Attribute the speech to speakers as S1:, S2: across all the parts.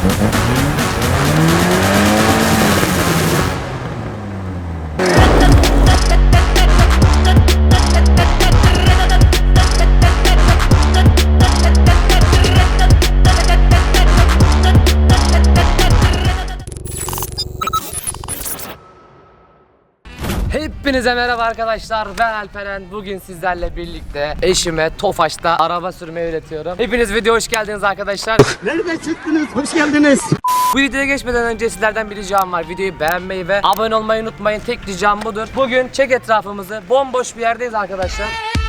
S1: Hepinize merhaba arkadaşlar, ben Alperen. Bugün sizlerle birlikte eşime Tofaş'ta araba sürmeyi öğretiyorum. Hepiniz videoya hoş geldiniz arkadaşlar.
S2: Nereden çıktınız? Hoş geldiniz.
S1: Bu videoya geçmeden önce sizlerden bir ricam var. Videoyu beğenmeyi ve abone olmayı unutmayın. Tek ricam budur. Bugün çek etrafımızı, bomboş bir yerdeyiz arkadaşlar.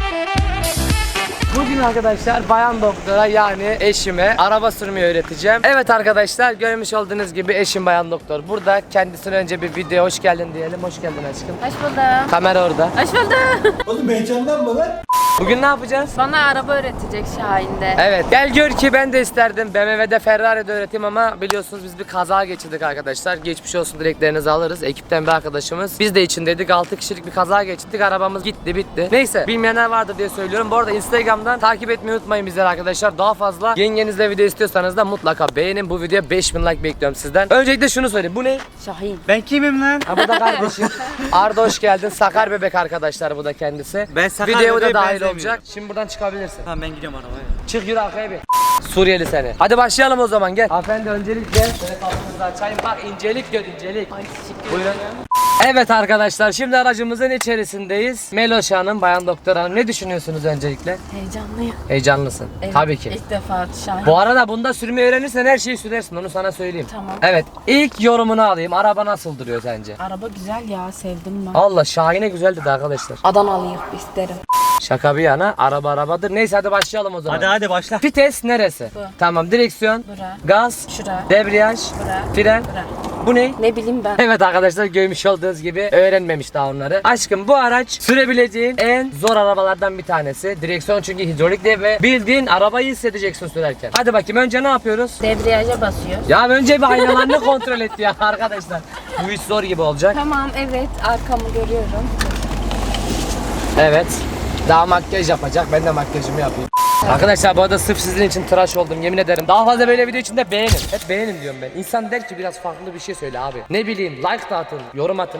S1: Bugün arkadaşlar bayan doktora yani eşime araba sürmeyi öğreteceğim. Evet arkadaşlar, görmüş olduğunuz gibi eşim bayan doktor. Burada kendisine önce bir videoya hoş geldin diyelim. Hoş geldin aşkım.
S3: Hoş buldum.
S1: Kamera orada.
S3: Hoş buldum.
S2: Oğlum heyecanlanma lan.
S1: Bugün ne yapacağız?
S3: Bana araba öğretecek Şahin'de.
S1: Evet, gel gör ki ben de isterdim BMW'de Ferrari'de öğreteyim ama biliyorsunuz biz bir kaza geçirdik arkadaşlar. Geçmiş olsun dileklerinizi alırız. Ekipten bir arkadaşımız. Biz de içindeydik. 6 kişilik bir kaza geçirdik. Arabamız gitti bitti. Neyse, bilmeyenler vardır diye söylüyorum. Bu arada Instagram'dan takip etmeyi unutmayın bizleri arkadaşlar. Daha fazla yengenizle video istiyorsanız da mutlaka beğenin. Bu videoya 5000 like bekliyorum sizden. Öncelikle şunu söyleyeyim. Bu ne?
S3: Şahin.
S2: Ben kimim lan?
S1: Ha, bu da kardeşim. Arda hoş geldin. Sakar bebek arkadaşlar bu da kendisi.
S2: Ben Sakar
S1: Videoya da
S2: bebeğe
S1: dahil
S2: benzemiyorum.
S1: olacak. Şimdi buradan çıkabilirsin.
S2: Tamam ben gidiyorum arabaya.
S1: Çık yürü arkaya bir. Suriyeli seni. Hadi başlayalım o zaman, gel. Hanımefendi öncelikle şöyle kapınızı açayım. Bak incelik gör incelik.
S3: Ay teşekkür
S1: Buyurun.
S3: ederim.
S1: Evet arkadaşlar, şimdi aracımızın içerisindeyiz. Meloş Hanım, bayan doktor hanım, ne düşünüyorsunuz öncelikle?
S3: Heyecanlıyım.
S1: Heyecanlısın.
S3: Evet,
S1: Tabii ki.
S3: İlk defa Şahin.
S1: Bu arada bunda sürmeyi öğrenirsen her şeyi sürersin, onu sana söyleyeyim.
S3: Tamam.
S1: Evet, ilk yorumunu alayım. Araba nasıl duruyor sence?
S3: Araba güzel ya, sevdim ben.
S1: Allah, Şahin'e güzel dedi arkadaşlar.
S3: Adanalıyım isterim.
S1: Şaka bir yana, araba arabadır. Neyse hadi başlayalım o zaman.
S2: Hadi başla.
S1: Vites neresi?
S3: Bu.
S1: Tamam, direksiyon,
S3: Bura.
S1: gaz,
S3: Şura.
S1: debriyaj,
S3: Bura.
S1: fren.
S3: Bura.
S1: Bu ne?
S3: Ne bileyim ben.
S1: Evet arkadaşlar, görmüş olduğunuz gibi öğrenmemiş daha onları. Aşkım, bu araç sürebileceğin en zor arabalardan bir tanesi. Direksiyon çünkü hidrolikli ve bildiğin arabayı hissedeceksin sürerken. Hadi bakayım, önce ne yapıyoruz?
S3: Debriyaja basıyor.
S1: Ya önce bir aynalarını kontrol et ya arkadaşlar. Bu iş zor gibi olacak.
S3: Tamam, evet, arkamı görüyorum.
S1: Evet. Daha makyaj yapacak. Ben de makyajımı yapayım. Arkadaşlar bu arada sırf sizin için tıraş oldum, yemin ederim. Daha fazla böyle video için de beğenin. Hep beğenin diyorum ben. İnsan der ki biraz farklı bir şey söyle abi. Ne bileyim, like da atın, yorum atın.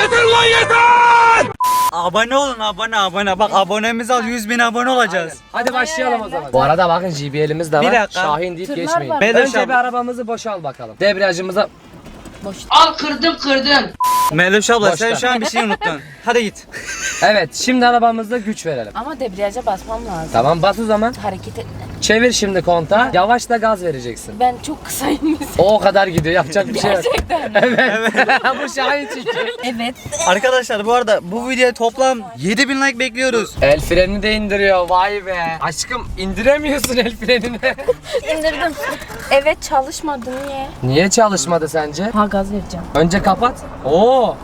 S2: Abone olun abone. Bak abonemiz al 100.000 abone olacağız.
S1: Hadi başlayalım o zaman. Bu arada bakın JBL'imiz de var.
S2: Bir dakika.
S1: Şahin deyip
S3: Tırlar
S1: geçmeyin.
S3: var.
S2: Meloş
S1: Önce
S2: abi.
S1: bir arabamızı boşa al bakalım. Debriyajımıza
S3: Boş.
S2: Meloş abla sen
S1: Boşta.
S2: şu an bir şey unuttun. Hadi git.
S1: evet, şimdi arabamıza güç verelim.
S3: Ama debriyaja basmam lazım.
S1: Tamam, bas o zaman.
S3: Hareket etme.
S1: Çevir şimdi kontağı. Yavaş da gaz vereceksin.
S3: Ben çok kısayım mesela.
S1: O kadar gidiyor, yapacak bir şey yok.
S3: Gerçekten.
S1: Evet. Bu Şahin çünkü.
S3: Evet.
S2: Arkadaşlar bu arada bu videoya toplam 7.000 like bekliyoruz.
S1: El frenini de indiriyor, vay be. Aşkım, indiremiyorsun el frenini.
S3: İndirdim. Evet, çalışmadı, niye?
S1: Niye çalışmadı sence?
S3: Ha, gaz vereceğim.
S1: Önce kapat. Oo.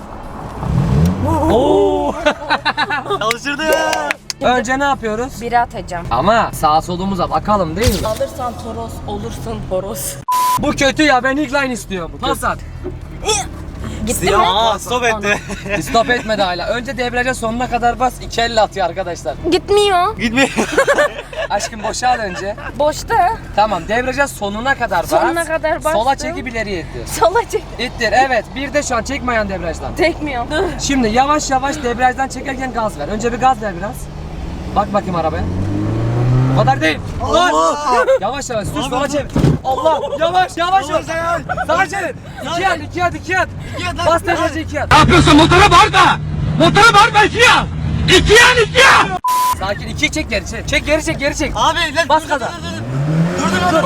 S1: Oo.
S2: Çalıştırdı.
S1: Önce ne yapıyoruz?
S3: Biri atacağım.
S1: Ama sağ solumuza bakalım değil mi?
S3: Alırsan toros, olursun horoz.
S1: Bu kötü ya, ben ilk line istiyorum. Pas at.
S3: Gitti mi?
S2: Aa stop etti.
S1: Stop etmedi hala. Önce debriyaja sonuna kadar bas. 2 elle atıyor arkadaşlar.
S3: Gitmiyor.
S2: Gitmiyor.
S1: Aşkım boşal önce.
S3: Boşta.
S1: Tamam, debriyaja sonuna kadar bas.
S3: Sonuna kadar bastım.
S1: Sola çekip ileriye ittir.
S3: Sola çek.
S1: İttir, evet. Bir de şu an çekme ayağını debriyajdan.
S3: Tekmiyor.
S1: Şimdi yavaş yavaş debriyajdan çekerken gaz ver. Önce bir gaz ver biraz. Bak bakayım arabaya. O kadar değil. Allah! Yavaş yavaş sür, sola çevir. Allah! Yavaş yavaş yavaş. Sağa çevir. 2 at. Bas debriyaja 2 at.
S4: Ne yapıyorsun? Motora bağırma! Motora bağırma, ikiye al! İkiye al, ikiye al!
S1: Sakin, 2 çek geri çek. Çek geri çek.
S2: Abi lan
S1: Bas gaza.
S2: Dur.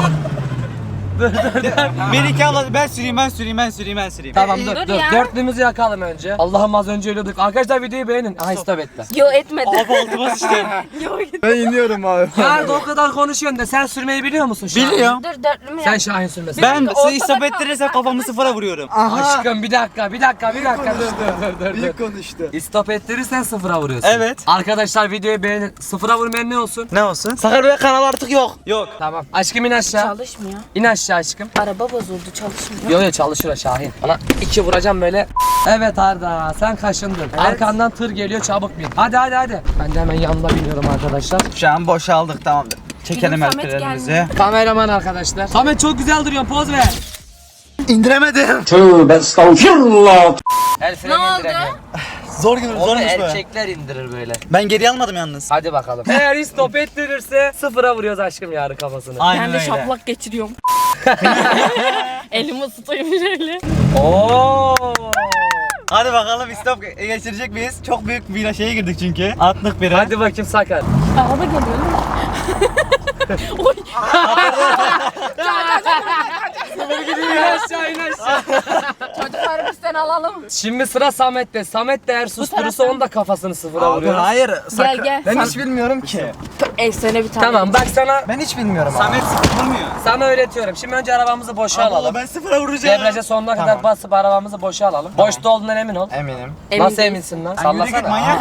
S2: Beni iki al, ben süreyim.
S1: Tamam
S3: Dur
S1: dur.
S3: ya.
S1: Dörtlüğümüzü yakalım önce. Allah'ım, az önce ölüyorduk. Arkadaşlar videoyu beğenin. Aha, stop etti.
S3: Yo, etmedi.
S2: Abi altıma sıçtım.
S3: Yo, gitmedi.
S2: Ben iniyorum abi.
S1: Ya o kadar konuşuyorsun da sen sürmeyi biliyor musun Şahin?
S2: Biliyorum.
S3: Dur, dörtlü mü
S1: Sen
S3: yap?
S1: Şahin sürmesin.
S2: Ben
S3: Ortada
S2: sizi stop
S3: kaldı.
S2: ettirirsem kafamı sıfıra vuruyorum.
S1: Aşkım bir dakika. Dur.
S2: İyi konuştu.
S1: Stop ettirirsen sıfıra vuruyorsun.
S2: Evet.
S1: Arkadaşlar videoyu beğenin. Sıfıra vurmayan ne olsun?
S2: Ne olsun? Sakar Bey kanal artık yok. Yok.
S1: Tamam. Aşkım in aşağı.
S3: Çalışmıyor.
S1: İn aşağı aşkım.
S3: Araba bozuldu, çalışmıyor.
S1: Yo çalışır o Şahin. Bana 2 vuracağım böyle. Evet Arda, sen kaşındın. Arkandan tır geliyor, çabuk bin. Hadi. Ben de hemen yanına biniyorum arkadaşlar.
S2: Şu an boşaldık tamamdır. Çekelim
S3: Bizim Samet
S2: ellerimizi.
S3: gelmiyor.
S1: Kameraman arkadaşlar. Samet çok güzel duruyorsun, poz ver.
S2: İndiremedim.
S4: Tövbe estağfirullah.
S1: El
S3: Ne
S1: freni
S3: oldu?
S1: indiremiyorum.
S2: Zor gibi
S1: Onu
S2: zormuş be.
S1: erkekler indirir böyle.
S2: Ben geri almadım yalnız.
S1: Hadi bakalım. Eğer hiç stop ettirirse sıfıra vuruyoruz aşkım yarın kafasını.
S2: Aynen
S3: Ben de
S2: öyle.
S3: şaplak geçiriyorum. Elimi ısıtayım şöyle.
S1: Oo.
S2: Hadi bakalım istop geçirecek miyiz? Çok büyük bir şeye girdik çünkü. Atlık biri.
S1: Hadi bakayım Sakar.
S3: Araba geliyor değil mi? Oy.
S1: İn aşağı in aşağı.
S3: Çocukları bizden alalım.
S1: Şimdi sıra Samet'te. Samet de eğer susturursa onun da kafasını sıfıra vuruyor.
S2: hayır.
S3: Gel gel.
S5: Ben
S3: Sen-
S5: hiç bilmiyorum ki.
S3: Efsane bir tane.
S1: Tamam bak
S5: Ben hiç bilmiyorum abi.
S2: Samet sıfır vurmuyor.
S1: sana öğretiyorum. Şimdi önce arabamızı boşa alalım.
S2: Ben sıfıra vuracağım.
S1: Debriyaja sonuna kadar
S5: Tamam.
S1: basıp arabamızı boşa alalım. Boşta olduğundan emin ol.
S5: Eminim.
S3: Emin
S1: Nasıl
S3: değiliz.
S1: eminsin lan?
S2: Yürü git
S1: Sallasana.
S2: manyak.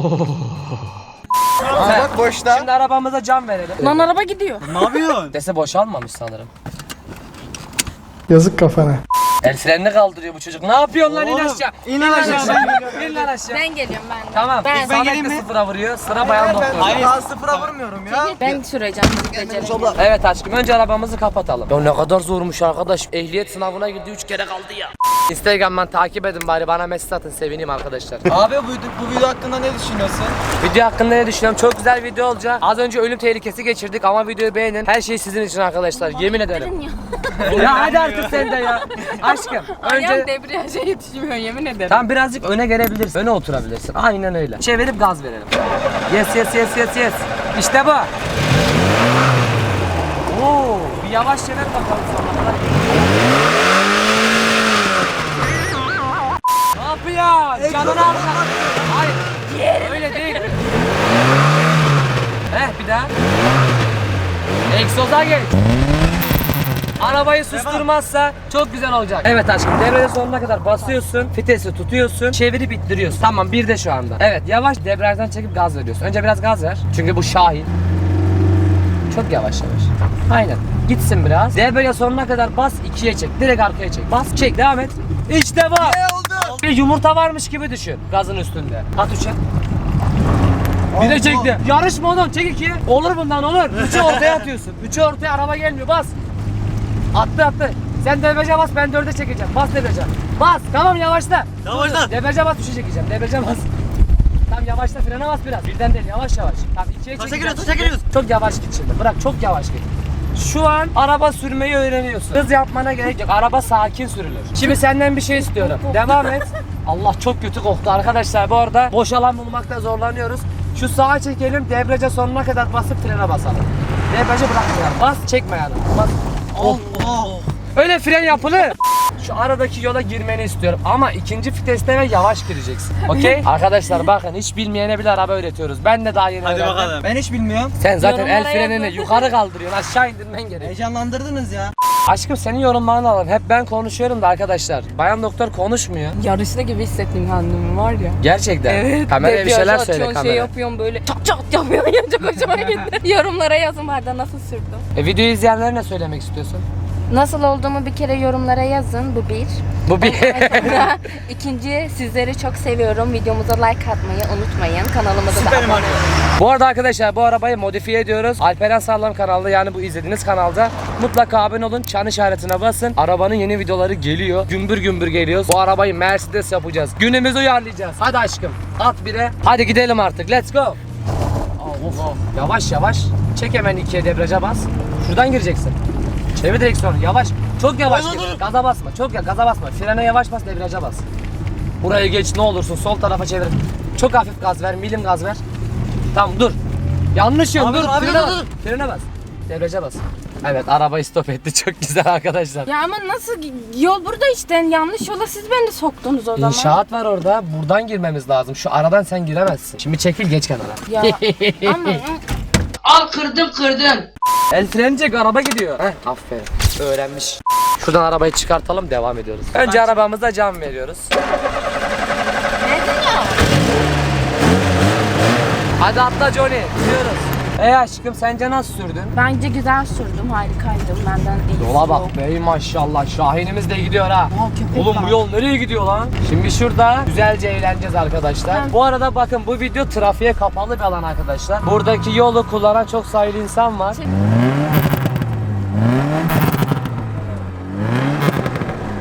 S5: Aa, bak boşta.
S1: Şimdi arabamıza cam verelim.
S3: Lan araba gidiyor.
S2: Ne yapıyorsun?
S1: Dese boşalmamış sanırım.
S6: Yazık kafana.
S1: El frenini kaldırıyor bu çocuk. Ne yapıyorsun lan in
S2: Oğlum,
S1: aşağı?
S2: in aşağı.
S1: İn lan aşağı.
S3: Ben geliyorum ben de.
S1: Tamam.
S3: Ben,
S2: ben
S1: Samet
S2: geleyim
S1: de
S2: mi?
S1: sıfıra vuruyor. Sıra bayan doktor.
S2: Hayır.
S5: Daha sıfıra vurmuyorum ya.
S3: ben süreceğim. Beceremiyorum.
S1: Evet aşkım önce arabamızı kapatalım. Ya ne kadar zormuş arkadaş. Ehliyet sınavına girdi 3 kere kaldı ya. Instagram'dan takip edin bari bana mesaj atın sevineyim arkadaşlar.
S5: Abi bu video hakkında ne düşünüyorsun?
S1: Video hakkında ne düşünüyorum? Çok güzel video olacak. Az önce ölüm tehlikesi geçirdik ama videoyu beğenin. Her şey sizin için arkadaşlar. Yemin ederim.
S3: Dedin ya.
S1: Ya hadi artık sen de ya. Aşkım
S3: Ayağım
S1: önce...
S3: debriyaja yetişmiyor yemin ederim.
S1: Tamam birazcık öne gelebilirsin. Öne oturabilirsin. Aynen öyle. Çevirip gaz verelim. Yes yes yes yes yes. İşte bu. Oo, bir yavaş çevir bakalım sonra. Ne yapıyor? Canını al. Hayır. Öyle değil. Bir daha. Egzoza geç. Arabayı susturmazsa çok güzel olacak. Evet aşkım debriyajı sonuna kadar basıyorsun. Vitesi tutuyorsun. Çevirip ittiriyorsun. Tamam bir de şu anda. Evet yavaş debriyajdan çekip gaz veriyorsun. Önce biraz gaz ver. Çünkü bu Şahin. Çok yavaş yavaş. Aynen. Gitsin biraz. Debriyajı sonuna kadar bas 2'ye çek. Direkt arkaya çek. Bas çek devam et. İşte bu. Bir yumurta varmış gibi düşün. Gazın üstünde. At 3'e. Bir de çekti. Yarışma oğlum çek 2'ye. Olur bundan olur. 3'ü ortaya atıyorsun. 3'ü ortaya araba gelmiyor bas. Attı. Sen debriyaja bas ben 4'e çekeceğim. Bas debriyaja. Bas. Tamam yavaşla.
S2: Yavaşla.
S1: Debriyaja bas 3'e çekeceğim. Debriyaja bas. Tamam yavaşla frene bas biraz. Birden değil yavaş yavaş. Tamam 2'ye çekeceğim.
S2: Taşa giriyoruz.
S1: Çok yavaş git şimdi. Bırak çok yavaş git. Şu an araba sürmeyi öğreniyorsun. Hız yapmana gerek yok. Araba sakin sürülür. Şimdi senden bir şey istiyorum. Devam et. Allah çok kötü koktu arkadaşlar. Bu arada boş alan bulmakta zorlanıyoruz. Şu sağa çekelim. Debriyaja sonuna kadar basıp frene basalım. Debriyajı bırakmayalım. Bas çekme yani. Bas.
S2: Allah.
S1: Öyle fren yapılır. Şu aradaki yola girmeni istiyorum ama ikinci viteste ve yavaş gireceksin. Okey? Arkadaşlar bakın hiç bilmeyene bile araba öğretiyoruz. Ben de daha yeni
S2: Hadi
S1: öğrendim.
S2: bakalım.
S5: Ben hiç bilmiyorum.
S1: Sen zaten el
S3: Yorumlara
S1: frenini
S3: yazın.
S1: yukarı kaldırıyorsun, aşağı indirmen gerek.
S5: Heyecanlandırdınız ya.
S1: Aşkım senin yorumlarını alalım. Hep ben konuşuyorum da arkadaşlar. Bayan doktor konuşmuyor.
S3: Yarışta gibi hissettim kendimi var ya.
S1: Gerçekten.
S3: Evet.
S1: Kameraya bir
S3: debriyaja
S1: şeyler söyle
S3: atıyorsun,
S1: kameraya.
S3: Şey yapıyorum böyle çat çat yapıyorsun ya çok hoşuma gitti. Yorumlara yazın vardı nasıl sürdüm.
S1: Videoyu izleyenlere ne söylemek istiyorsun?
S3: Nasıl olduğumu bir kere yorumlara yazın bu bir.
S1: Bu bir...
S3: Sonra ikinci sizleri çok seviyorum. Videomuza like atmayı unutmayın. Kanalımıza da
S2: Süperim
S3: abone
S2: abi.
S3: olun.
S1: Bu arada arkadaşlar bu arabayı modifiye ediyoruz. Alperen Sağlam kanalda yani bu izlediğiniz kanalda mutlaka abone olun. Çan işaretine basın. Arabanın yeni videoları geliyor. Gümbür gümbür geliyor. Bu arabayı Mercedes yapacağız. Günümüzü uyarlayacağız. Hadi aşkım at bire. Hadi gidelim artık. Let's go. Of. Yavaş yavaş. Çek hemen 2'ye debriyaja bas. Şuradan gireceksin. Çevir direksiyonu yavaş. Çok yavaş gir. Gaza basma. Çok ya gaza basma. Frene yavaş bas, debriyaja bas. Burayı geç ne olursun sol tarafa çevir. Çok hafif gaz ver, milim gaz ver. Tamam dur. Yanlış yön
S2: Abi,
S1: dur.
S2: abi,
S1: Frene
S2: dur,
S1: bas.
S2: dur.
S1: Frene bas. Debriyaja bas. Evet arabayı stop etti. Çok güzel arkadaşlar.
S3: Ya ama nasıl yol burada işte yanlış yola siz beni soktunuz o zaman.
S1: İnşaat var orada. Buradan girmemiz lazım. Şu aradan sen giremezsin. Şimdi çekil geç kenara.
S3: Ya ama
S1: Al kırdım. El freni çek araba gidiyor. Heh, aferin. Öğrenmiş. Şuradan arabayı çıkartalım devam ediyoruz. Önce arabamıza cam veriyoruz.
S3: neden ya?
S1: Hadi atla Johnny. Gidiyoruz. Aşkım sence nasıl sürdün?
S3: Bence güzel sürdüm harikaydım benden iyi.
S1: Yola bak be maşallah Şahinimiz de gidiyor ha. Oğlum bu yol nereye gidiyor lan? Şimdi şurada güzelce eğleneceğiz arkadaşlar. Bu arada bakın bu video trafiğe kapalı bir alan arkadaşlar. Buradaki yolu kullanan çok sayılı insan var.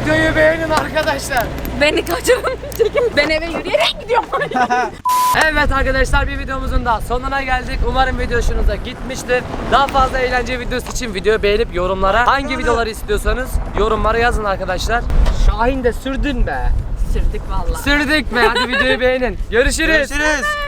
S1: Videoyu beğenin arkadaşlar.
S3: Beni kaçırın. Çekin. Ben eve yürüyerek gidiyorum.
S1: Evet arkadaşlar, bir videomuzun daha sonuna geldik. Umarım video hoşunuza gitmiştir. Daha fazla eğlence videosu için videoyu beğenip yorumlara hangi videoları istiyorsanız yorumlara yazın arkadaşlar. Şahin de sürdün be.
S3: Sürdük vallahi.
S1: Sürdük be. Hadi videoyu beğenin. Görüşürüz.
S2: Görüşürüz.